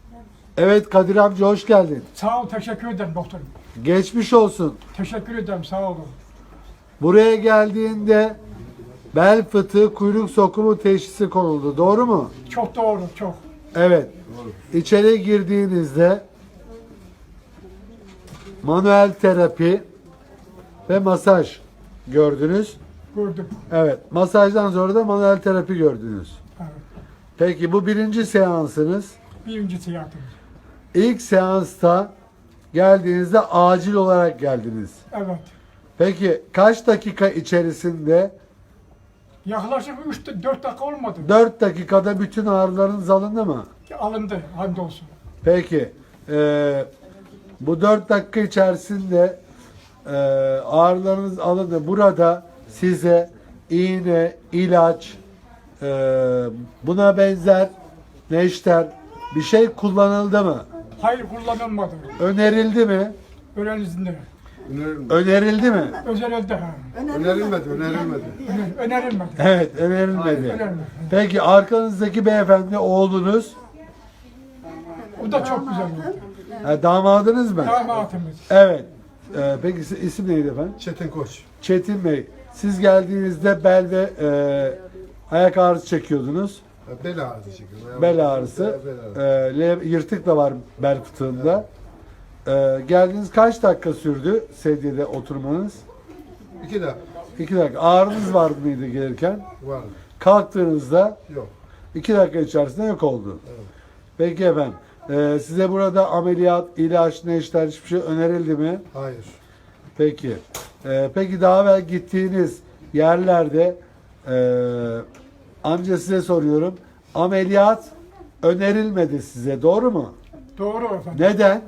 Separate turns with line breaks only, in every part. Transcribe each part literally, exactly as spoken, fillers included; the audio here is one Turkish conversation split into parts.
Evet Kadir amca hoş geldin.
Sağ ol, teşekkür ederim doktorum.
Geçmiş olsun.
Teşekkür ederim, sağ olun.
Buraya geldiğinde bel fıtığı kuyruk sokumu teşhisi konuldu. Doğru mu?
Çok doğru, çok.
Evet. İçeri girdiğinizde manuel terapi ve masaj gördünüz.
Gördüm.
Evet. Masajdan sonra da manuel terapi gördünüz.
Evet.
Peki bu birinci seansınız.
Birincisi yaptım.
İlk seansta geldiğinizde acil olarak geldiniz.
Evet.
Peki kaç dakika içerisinde?
Yaklaşık üç dört dakika olmadı.
dört dakikada bütün ağrılarınız alındı mı?
Alındı, hamdolsun.
Peki. eee, bu dört dakika içerisinde eee, ağrılarınız alındı. Burada size iğne, ilaç, eee, buna benzer neşter bir şey kullanıldı mı?
Hayır, kullanılmadı.
Önerildi mi?
Önerildi.
Önerilmedi.
Önerildi mi?
Özerildi ha.
Önerilmedi, önerilmedi.
Öner- Önerilmedi.
Evet, önerilmedi.
Önerilmedi.
Peki arkanızdaki beyefendi oğlunuz,
O da çok güzel oldu.
ha, damadınız mı?
Damatımız.
Evet. Ee, peki is- isim neydi efendim?
Çetin Koç.
Çetin Bey. Siz geldiğinizde bel ve e, ayak ağrısı çekiyordunuz.
Bel ağrısı çekiyor.
Bel ağrısı.
Bel ağrısı.
E, le- yırtık da var bel fıtığında. E, geldiğiniz kaç dakika sürdü sedyede oturmanız?
İki dakika
İki dakika. Ağrınız var mıydı gelirken?
vardı.
Kalktığınızda
Yok.
iki dakika içerisinde yok oldu.
Evet.
Peki efendim. e, size burada ameliyat, ilaç, neşter hiçbir şey önerildi mi?
Hayır.
Peki. Ee, peki daha evvel gittiğiniz yerlerde e, amca size soruyorum. Ameliyat önerilmedi size. Doğru mu?
Doğru efendim.
Neden?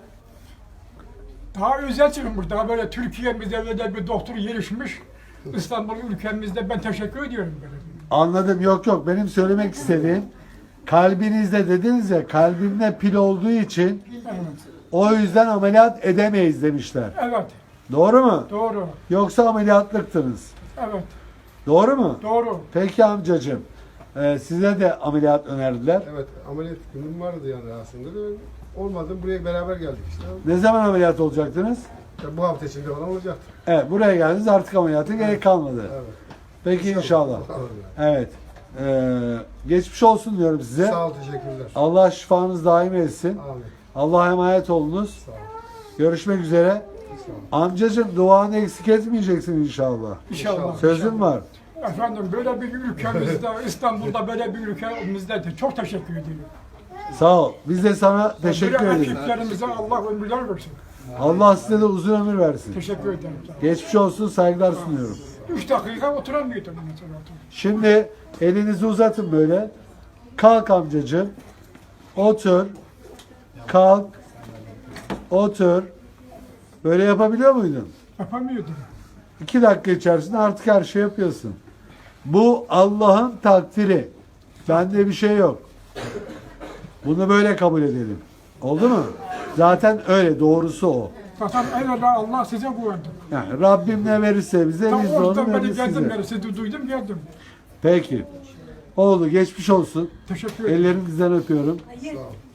Daha özel çıkmış. Daha böyle Türkiye'mizde öyle bir doktor gelişmiş. İstanbul ülkemizde ben teşekkür ediyorum böyle.
Anladım. Yok yok. Benim söylemek istediğim kalbinizde dediniz ya kalbimde pil olduğu için
Evet.
o yüzden ameliyat edemeyiz demişler.
Evet.
Doğru mu?
Doğru.
Yoksa ameliyatlıktınız.
Evet.
Doğru mu?
Doğru.
Peki amcacığım. e, size de ameliyat önerdiler.
Evet, ameliyat günüm vardı yani aslında. da Olmadı, buraya beraber geldik işte.
Ne zaman ameliyat olacaktınız?
Ya bu hafta içinde falan olacaktı.
Evet, buraya geldiniz artık ameliyata gerek kalmadı.
Evet.
Peki inşallah.
Bakalım
Evet. Ee, geçmiş olsun diyorum
yani.
size.
Sağ ol, teşekkürler.
Allah şifanız daim etsin.
Amin.
Allah'a emanet olunuz.
Sağ ol.
Görüşmek üzere.
Sağ ol.
Amcacığım duanı eksik etmeyeceksin inşallah.
İnşallah.
Sözüm var.
Efendim böyle bir ülkemizde, İstanbul'da böyle bir ülkemizde de çok teşekkür ediyorum.
Sağ ol. Biz de sana teşekkür
Böyle
ederiz.
ekiplerimize Allah ömürler versin.
Allah size de uzun ömür versin.
Teşekkür ederim. Sağ olun.
Geçmiş olsun, saygılar sunuyorum.
Üç dakika oturamıyordum mesela.
Şimdi elinizi uzatın böyle. Kalk amcacığım. Otur. Kalk. Otur. Böyle yapabiliyor muydun?
Yapamıyordum.
İki dakika içerisinde artık her şey yapıyorsun. Bu Allah'ın takdiri. Bende bir şey yok. Bunu böyle kabul edelim. Oldu mu? Zaten öyle. Doğrusu o.
Zaten evvela Allah size güvendim.
Yani Rabbim ne verirse bize
Tam
biz de onu
oradan beri
veririz
geldim
size.
beri sizi duydum geldim.
Peki. Oldu. Geçmiş olsun.
Teşekkür ederim.
Ellerinizden öpüyorum.
Sağ ol.